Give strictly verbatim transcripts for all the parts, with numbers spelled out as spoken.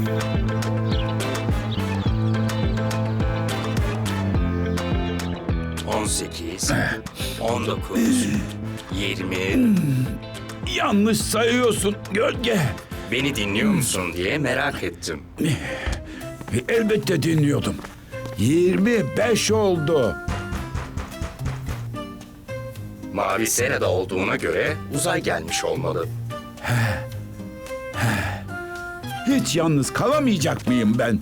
On sekiz, on dokuz, yirmi. Yanlış sayıyorsun gölge. Beni dinliyor musun diye merak ettim. Elbette dinliyordum. Yirmi beş oldu. Mavi Sera'da olduğuna göre uzay gelmiş olmalı. Hiç yalnız kalamayacak mıyım ben?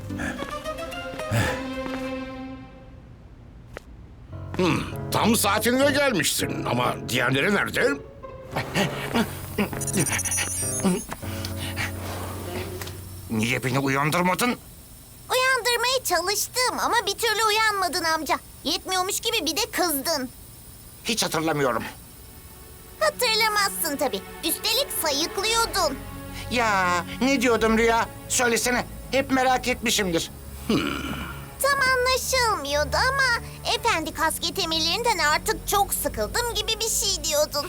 Tam saatinde gelmişsin ama diğerleri nerede? Niye beni uyandırmadın? Uyandırmaya çalıştım ama bir türlü uyanmadın amca. Yetmiyormuş gibi bir de kızdın. Hiç hatırlamıyorum. Hatırlamazsın tabii. Üstelik sayıklıyordun. Ya ne diyordum Rüya? Söylesene. Hep merak etmişimdir. Tam anlaşılmıyordu ama efendi kasket emirlerinden artık çok sıkıldım gibi bir şey diyordun.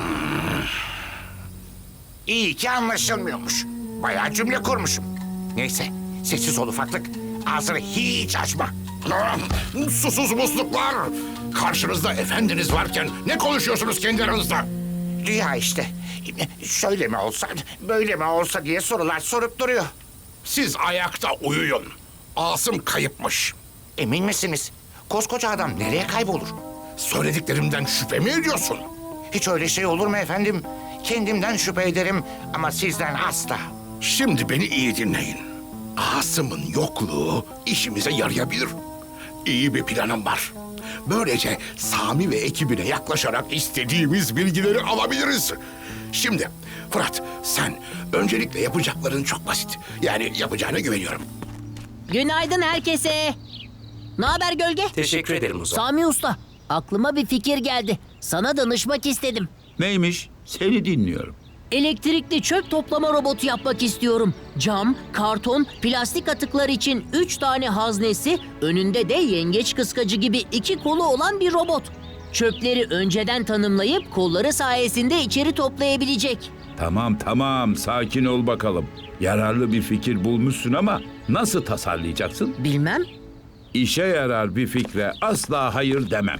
İyi ki anlaşılmıyormuş. Bayağı cümle kurmuşum. Neyse, sessiz ol ufaklık. Ağzını hiç açma. Susuz musluklar! Karşınızda efendiniz varken ne konuşuyorsunuz kendi aranızda? Rüya işte. Şöyle mi olsa, böyle mi olsa diye sorular sorup duruyor. Siz ayakta uyuyun. Asım kayıpmış. Emin misiniz? Koskoca adam nereye kaybolur? Söylediklerimden şüphe mi ediyorsun? Hiç öyle şey olur mu efendim? Kendimden şüphe ederim ama sizden asla. Şimdi beni iyi dinleyin. Asım'ın yokluğu işimize yarayabilir. İyi bir planım var. Böylece Sami ve ekibine yaklaşarak istediğimiz bilgileri alabiliriz. Şimdi Fırat, sen öncelikle yapacakların çok basit. Yani yapacağına güveniyorum. Günaydın herkese. Ne haber Gölge? Teşekkür ederim Uzay. Sami Usta, aklıma bir fikir geldi. Sana danışmak istedim. Neymiş? Seni dinliyorum. Elektrikli çöp toplama robotu yapmak istiyorum. Cam, karton, plastik atıklar için üç tane haznesi, önünde de yengeç kıskacı gibi iki kolu olan bir robot. Çöpleri önceden tanımlayıp kolları sayesinde içeri toplayabilecek. Tamam tamam sakin ol bakalım. Yararlı bir fikir bulmuşsun ama nasıl tasarlayacaksın? Bilmem. İşe yarar bir fikre asla hayır demem.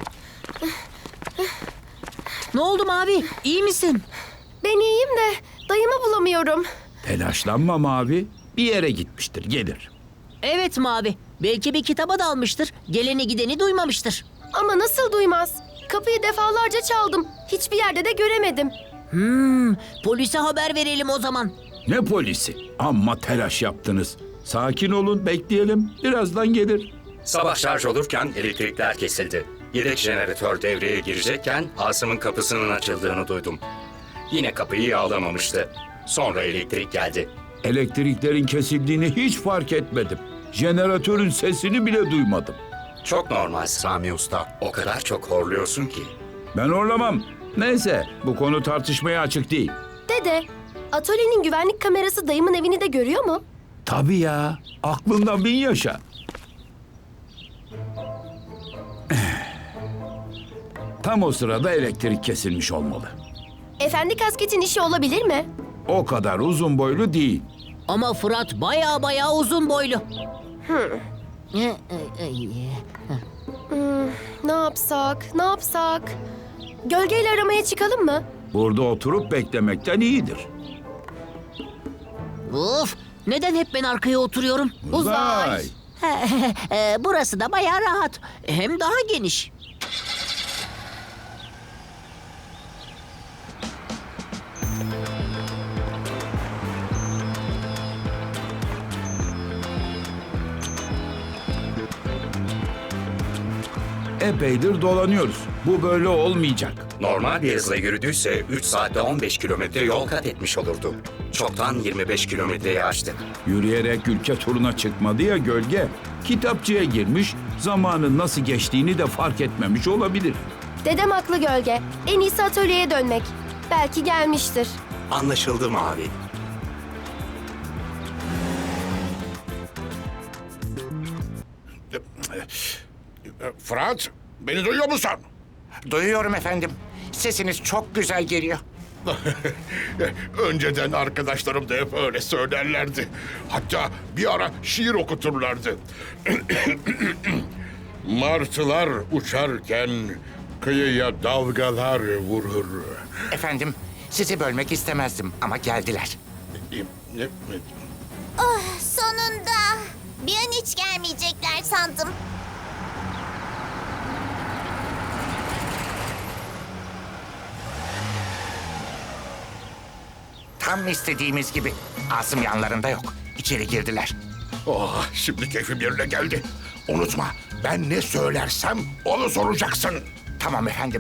Ne oldu Mavi? İyi misin? Ben iyiyim de dayımı bulamıyorum. Telaşlanma Mavi. Bir yere gitmiştir, gelir. Evet Mavi. Belki bir kitaba dalmıştır. Geleni gideni duymamıştır. Ama nasıl duymaz? Kapıyı defalarca çaldım. Hiçbir yerde de göremedim. Hmm, polise haber verelim o zaman. Ne polisi? Amma telaş yaptınız. Sakin olun, bekleyelim. Birazdan gelir. Sabah şarj olurken elektrikler kesildi. Yedek jeneratör devreye girecekken Asım'ın kapısının açıldığını duydum. Yine kapıyı yağlamamıştı. Sonra elektrik geldi. Elektriklerin kesildiğini hiç fark etmedim. Jeneratörün sesini bile duymadım. Çok normal Sami Usta. O kadar çok horluyorsun ki. Ben horlamam. Neyse, bu konu tartışmaya açık değil. Dede, atölyenin güvenlik kamerası dayımın evini de görüyor mu? Tabii ya, aklından bin yaşa. Tam o sırada elektrik kesilmiş olmalı. Efendi kasketin işi olabilir mi? O kadar uzun boylu değil. Ama Fırat baya baya uzun boylu. Ne yapsak, ne yapsak? Gölgeyle aramaya çıkalım mı? Burada oturup beklemekten iyidir. Of! Neden hep ben arkaya oturuyorum? Uzay. Ee, Burası da baya rahat. Hem daha geniş. Epeydir dolanıyoruz. Bu böyle olmayacak. Normal bir hızla yürüdüyse üç saatte on beş kilometre yol kat etmiş olurdu. Çoktan yirmi beş kilometreyi aştık. Yürüyerek ülke turuna çıkmadı ya gölge. Kitapçıya girmiş, zamanın nasıl geçtiğini de fark etmemiş olabilir. Dedem haklı Gölge. En iyisi atölyeye dönmek. Belki gelmiştir. Anlaşıldı Mavi. Fırat, beni duyuyor musun? Duyuyorum efendim. Sesiniz çok güzel geliyor. Önceden arkadaşlarım da hep öyle söylerlerdi. Hatta bir ara şiir okuturlardı. Martılar uçarken kıyıya dalgalar vurur. Efendim, sizi bölmek istemezdim ama geldiler. Oh, sonunda. Bir an hiç gelmeyecekler sandım. Tam istediğimiz gibi. Asım yanlarında yok. İçeri girdiler. Oh, şimdi keyfim yerine geldi. Unutma, ben ne söylersem onu soracaksın. Tamam efendim.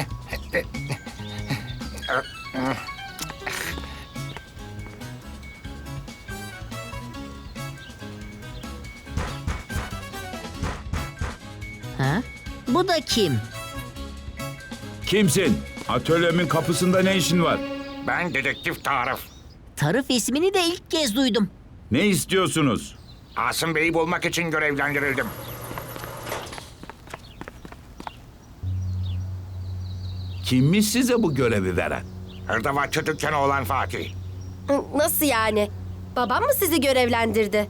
Ha? Bu da kim? Kimsin? Atölyemin kapısında ne işin var? Ben dedektif Tarık. Tarif ismini de ilk kez duydum. Ne istiyorsunuz? Asım Bey'i bulmak için görevlendirildim. Kimmiş size bu görevi veren? Hırdavatçı dükkanı olan Fatih. Hı, nasıl yani? Babam mı sizi görevlendirdi?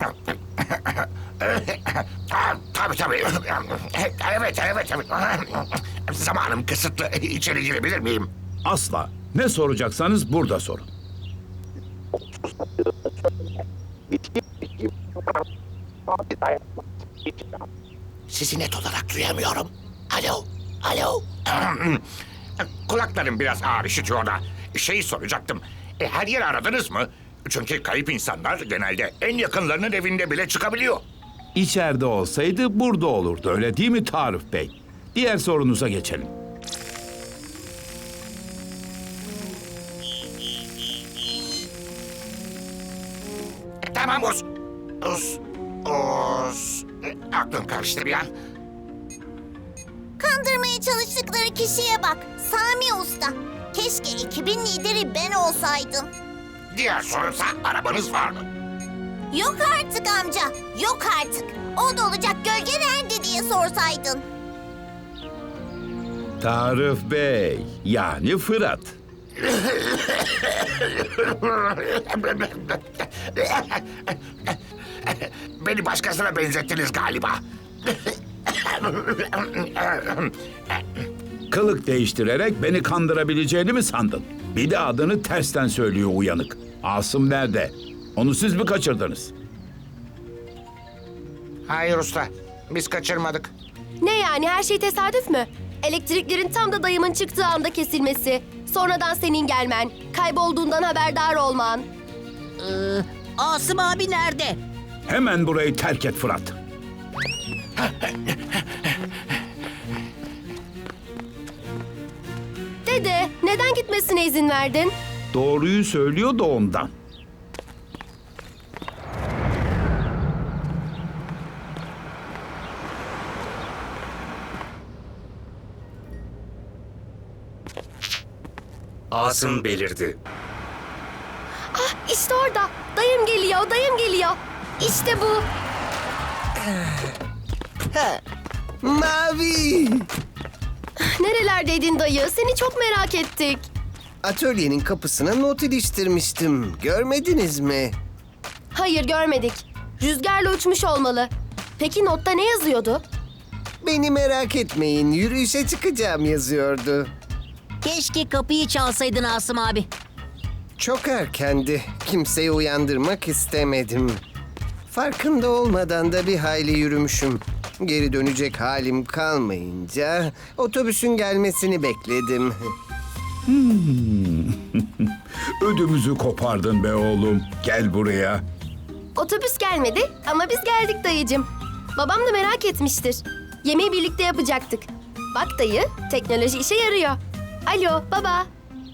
Ha, tabii tabii. Evet, evet, evet. Zamanım kısıtlı. İçeri girebilir miyim? Asla. Ne soracaksanız burada sorun. Sizi net olarak duyamıyorum. Alo, alo. Kulaklarım biraz ağır işitiyor da. Şey soracaktım. E, her yeri aradınız mı? Çünkü kayıp insanlar genelde en yakınlarının evinde bile çıkabiliyor. İçeride olsaydı burada olurdu, öyle değil mi Tarık Bey? Diğer sorunuza geçelim. Tamam Uz. Uz. Uz. E, Aklım karıştı bir an. Kandırmaya çalıştıkları kişiye bak. Sami Usta. Keşke ekibin lideri ben olsaydım. Diğer sorunsa arabanız var mı? Yok artık amca. Yok artık. O da olacak gölge nerede diye sorsaydın. Tarık Bey, yani Fırat. Beni başkasına benzettiniz galiba. Kılık değiştirerek beni kandırabileceğini mi sandın? Bir de adını tersten söylüyor uyanık. Asım nerede? Onu siz mi kaçırdınız? Hayır usta. Biz kaçırmadık. Ne yani, her şey tesadüf mü? Elektriklerin tam da dayımın çıktığı anda kesilmesi, sonradan senin gelmen, kaybolduğundan haberdar olman. Ee, Asım abi nerede? Hemen burayı terk et Fırat. Dede, neden gitmesine izin verdin? Doğruyu söylüyor da ondan. Asım belirdi. Ah, işte orada. Dayım geliyor, dayım geliyor. İşte bu. Mavi! Nerelerdeydin dayı? Seni çok merak ettik. Atölyenin kapısına not iliştirmiştim. Görmediniz mi? Hayır, görmedik. Rüzgarla uçmuş olmalı. Peki notta ne yazıyordu? Beni merak etmeyin, yürüyüşe çıkacağım yazıyordu. Keşke kapıyı çalsaydın Asım abi. Çok erkendi. Kimseyi uyandırmak istemedim. Farkında olmadan da bir hayli yürümüşüm. Geri dönecek halim kalmayınca otobüsün gelmesini bekledim. Ödümüzü kopardın be oğlum. Gel buraya. Otobüs gelmedi ama biz geldik dayıcım. Babam da merak etmiştir. Yemeği birlikte yapacaktık. Bak dayı, teknoloji işe yarıyor. Alo, baba.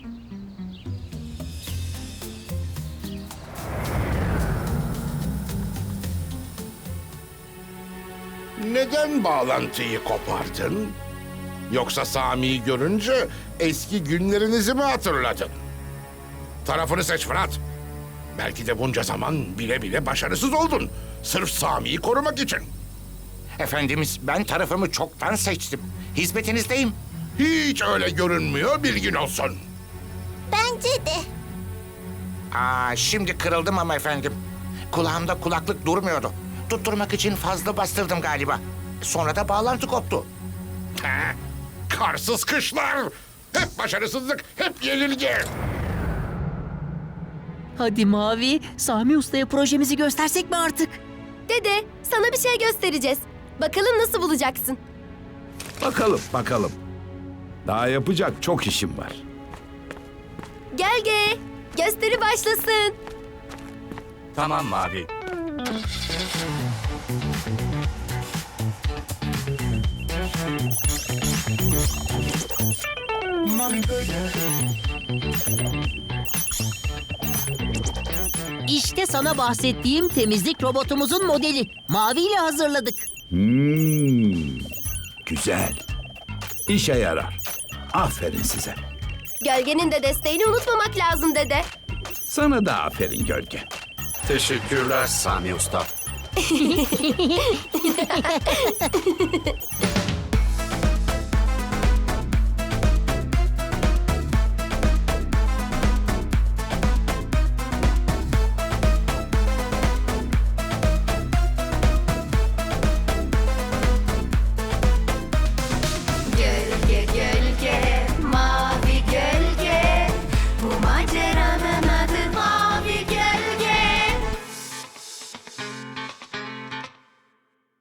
Neden bağlantıyı kopardın? Yoksa Sami'yi görünce eski günlerinizi mi hatırladın? Tarafını seç Fırat. Belki de bunca zaman bile bile başarısız oldun. Sırf Sami'yi korumak için. Efendimiz, ben tarafımı çoktan seçtim. Hizmetinizdeyim. Hiç öyle görünmüyor, bilgin olsun. Ben Bence de. Aa, şimdi kırıldım ama efendim. Kulağımda kulaklık durmuyordu. Tutturmak için fazla bastırdım galiba. Sonra da bağlantı koptu. Ha, karsız kışlar. Hep başarısızlık, hep yenilgi. Hadi Mavi, Sami Usta'ya projemizi göstersek mi artık? Dede, sana bir şey göstereceğiz. Bakalım nasıl bulacaksın? Bakalım, bakalım. Daha yapacak çok işim var. Gel ge. Gösteri başlasın. Tamam Mavi. İşte sana bahsettiğim temizlik robotumuzun modeli. Mavi ile hazırladık. Hmm, güzel. İşe yarar. Aferin size. Gölgenin de desteğini unutmamak lazım dede. Sana da aferin Gölge. Teşekkürler Sami Usta.